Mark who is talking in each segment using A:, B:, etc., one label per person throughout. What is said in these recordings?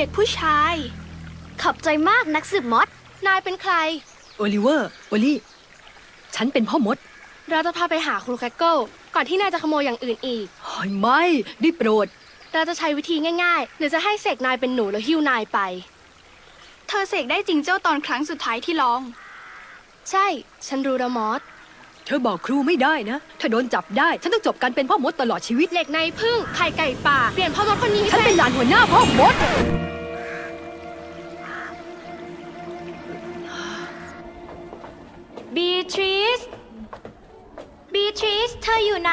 A: ด็กผู้ชาย
B: ขอบใจมากนักสืบมด
A: นายเป็นใคร
C: โอลิเวอร์โอลี่ฉันเป็นพ่อมด
A: เราจะพาไปหาครูแคคเกิลก่อนที่นายจะขโมยอย่างอื่นอีก
C: เฮ้ยไม่ได้โปรด
A: เราจะใช้วิธีง่ายๆหรือจะให้เสกนายเป็นหนูแล้วหิ้วนายไป
D: เธอเสกได้จริงเจ้าตอนครั้งสุดท้ายที่ลอง
A: ใช่ ฉันรู้นะมอส
C: เธอบอกครูไม่ได้นะ ถ้าโดนจับได้ ฉันต้องจบการเป็นพ่อมดตลอดชีวิต
A: เหล็กในพึ่งไข่ไก่ป่า เปลี่ยนพ่อมดคนนี้
C: ฉัน
A: ให้
C: เป็นหลานหัวหน้าพ่อมด
B: บีทริส บีทริส เธออยู่ไหน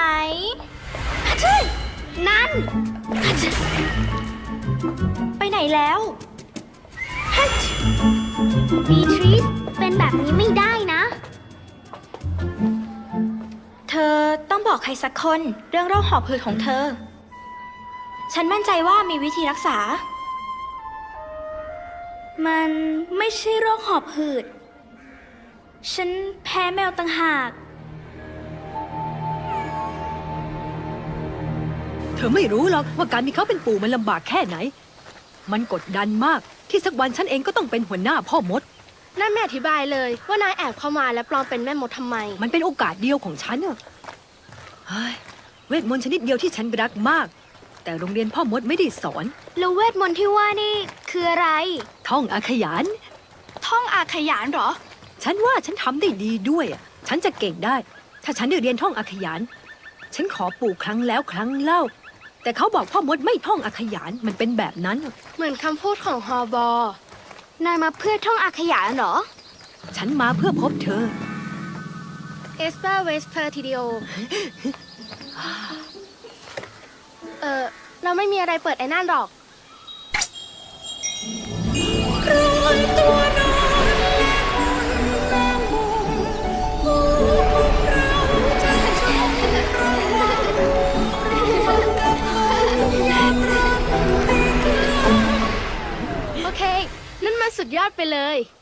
B: นั่น ไปไหนแล้วบีทริส เป็นแบบนี้ไม่ได้นะ เธอต้องบอกใครสักคนเรื่องโรคหอบหืดของเธอ ฉันมั่นใจว่ามีวิธีรักษา มันไม่ใช่โรคหอบหืด ฉันแพ้แมวต่างหาก
C: เธอไม่รู้หรอกว่าการมีเขาเป็นปู่มันลำบากแค่ไหน มันกดดันมากที่สักวันฉันเองก็ต้องเป็นหัวหน้าพ่อมด
A: นั่นไม่อธิบายเลยว่านายแอบเข้ามาและปลอมเป็นแม่มดทำไม
C: มันเป็นโอกาสเดียวของฉันอะเฮ้ยเวทมนต์ชนิดเดียวที่ฉันรักมาก แต่โรงเรียนพ่อมดไม่ได้สอน
B: แล้วเวทมนต์ที่ว่านี่คืออะไร
C: ท่องอาขยาน
D: ท่องอาขยานเหรอ
C: ฉันว่าฉันทำได้ดีด้วยอะฉันจะเก่งได้ ถ้าฉันได้เรียนท่องอาขยาน ฉันขอปู่ครั้งแล้วครั้งเล่า แต่เขาบอกพ่อมดไม่ท่องอาขยาน มันเป็นแบบนั้นอะ
A: เหมือนคำพูดของฮอบอ
B: นายมาเพื่อท่องอาขยานเหรอ
C: ฉันมาเพื่อพบเธอ
A: เอสเปอร์เวสเพอร์ทีเดียวเราไม่มีอะไรเปิดไอ้นั่นหรอก โอเค นั่นมันสุดยอดไปเลย